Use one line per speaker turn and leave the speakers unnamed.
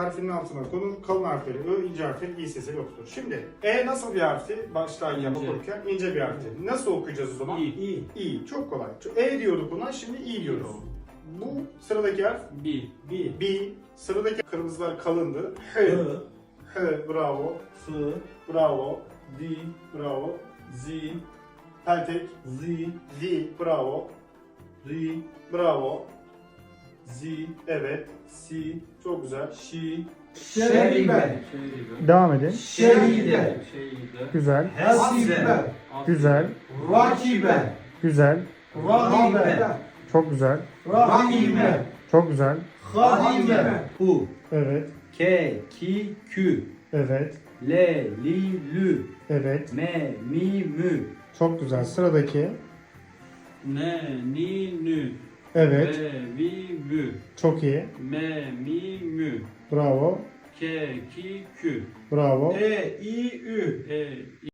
Harfinin altına konur. Kalın harfleri Ö, ince harfleri İ sesi yoktur. Şimdi E nasıl bir harfi? Baştan yapı
İnce.
okurken ince bir harfi. Nasıl okuyacağız o zaman?
İ.
İ. Çok kolay. E diyorduk buna, şimdi İ diyoruz. Bu sıradaki harf
B.
B. Sıradaki kırmızılar kalındı. H.
H,
H. Bravo.
F,
Bravo.
D,
Bravo.
Z,
Peltek.
Z,
D. Bravo.
R,
Bravo.
Z,
Evet.
C,
Çok güzel.
Şi,
Şeribe.
Devam edin.
Şeride.
Güzel.
Hasibe.
Güzel.
Rakibe.
Güzel.
Rahibe.
Çok güzel.
Rahime.
Çok güzel.
Hadime.
U,
Evet.
K, Ki, Kü,
Evet.
L, Li, Lü,
Evet.
M, Mi, Mü,
Çok güzel. Sıradaki.
Ne, ni, nü.
Evet.
Ve, vi, vü.
Çok iyi.
Me, mi, mü.
Bravo.
Ke, ki, kü.
Bravo.
E, I, Ü.
E,